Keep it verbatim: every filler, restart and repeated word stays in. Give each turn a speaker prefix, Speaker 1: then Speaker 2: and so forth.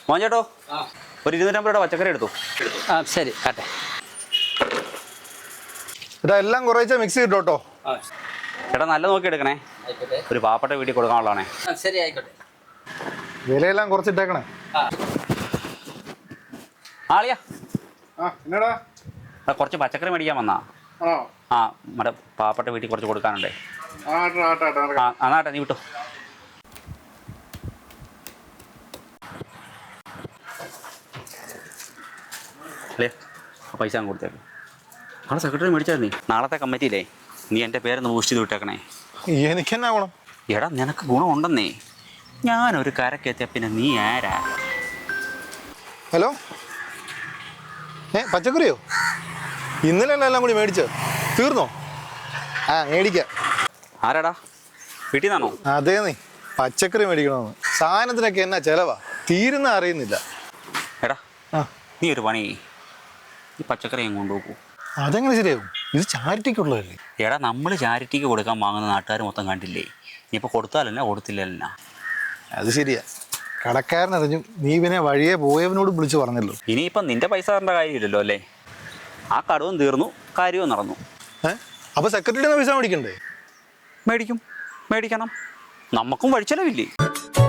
Speaker 1: മോൻ ചേട്ടോ ഒരു ഇരുന്നൂറ്റമ്പത് രൂപ പച്ചക്കറി എടുത്തു.
Speaker 2: ആ ശരി ആട്ടെ.
Speaker 3: ഇതാ എല്ലാം കുറേശ്ശെ മിക്സ് കിട്ടോട്ടോ.
Speaker 1: ചേട്ടാ നല്ല നോക്കി എടുക്കണേ, ഒരു പാവപ്പെട്ട വീട്ടിൽ കൊടുക്കാനുള്ളതാണേ.
Speaker 2: ശരി ആയിക്കോട്ടെ.
Speaker 3: വിലയെല്ലാം കുറച്ചിട്ടേക്കണേ.
Speaker 1: ആളിയാ
Speaker 3: ആ എന്നടാ
Speaker 1: കുറച്ച് പച്ചക്കറി മേടിക്കാൻ വന്നാ.
Speaker 3: ആണോ?
Speaker 1: ആ നമ്മുടെ പാവപ്പെട്ട വീട്ടിൽ കുറച്ച് കൊടുക്കാനുണ്ടേ.
Speaker 3: ആ
Speaker 1: അന്നാട്ടെ നീ വിട്ടോ. അല്ലേ ആ പൈസ അങ്ങ് കൊടുത്തേക്ക്. നാളെ സെക്രട്ടറി മേടിച്ചായിരുന്നു. നീ നാളത്തെ കമ്മിറ്റിയില്ലേ നീ എൻ്റെ പേരൊന്ന് ബൂസ്റ്റ് ചെയ്ത് വിട്ടേക്കണേ.
Speaker 3: എനിക്കെന്നാ ഗുണം?
Speaker 1: എടാ നിനക്ക് ഗുണമുണ്ടെന്നേ. ഞാനൊരു കരക്കെത്തിയ പിന്നെ നീ ആരാ?
Speaker 3: ഹലോ, ഏ പച്ചക്കറിയോ? ഇന്നലെ അല്ല എല്ലാം കൂടി മേടിച്ചോ? തീർന്നോ? ആ മേടിക്കാം.
Speaker 1: ആരാടാ വീട്ടിൽ നിന്നാണോ?
Speaker 3: അതേ നീ പച്ചക്കറി മേടിക്കണമെന്ന്. സാധനത്തിനൊക്കെ എന്നാ ചിലവാ, തീരുന്ന അറിയുന്നില്ല.
Speaker 1: എടാ
Speaker 3: ആ
Speaker 1: നീ ഒരു പണി ഈ പച്ചക്കറി അങ്ങ് കൊണ്ടുപോകൂ.
Speaker 3: അതെങ്ങനെ ശരിയാവും? ഇത് ചാരിറ്റിക്കുള്ളതല്ലേ?
Speaker 1: എടാ നമ്മൾ ചാരിറ്റിക്ക് കൊടുക്കാൻ വാങ്ങുന്ന നാട്ടുകാർ മൊത്തം കണ്ടില്ലേ? നീ ഇപ്പോൾ കൊടുത്താലല്ല കൊടുത്തില്ലല്ല.
Speaker 3: അത് ശരിയാ, കടക്കാരനറിഞ്ഞു. നീ പിന്നെ വഴിയെ പോയവനോട് വിളിച്ചു പറഞ്ഞല്ലോ.
Speaker 1: ഇനിയിപ്പം നിന്റെ പൈസ തരേണ്ട കാര്യമില്ലല്ലോ അല്ലേ? ആ കടവും തീർന്നു, കാര്യവും നടന്നു.
Speaker 3: ഏഹ് അപ്പൊ സെക്രട്ടറിയുടെ പൈസ മേടിക്കണ്ടേ?
Speaker 1: മേടിക്കും, മേടിക്കണം. നമുക്കും വഴിച്ചെലവില്ലേ?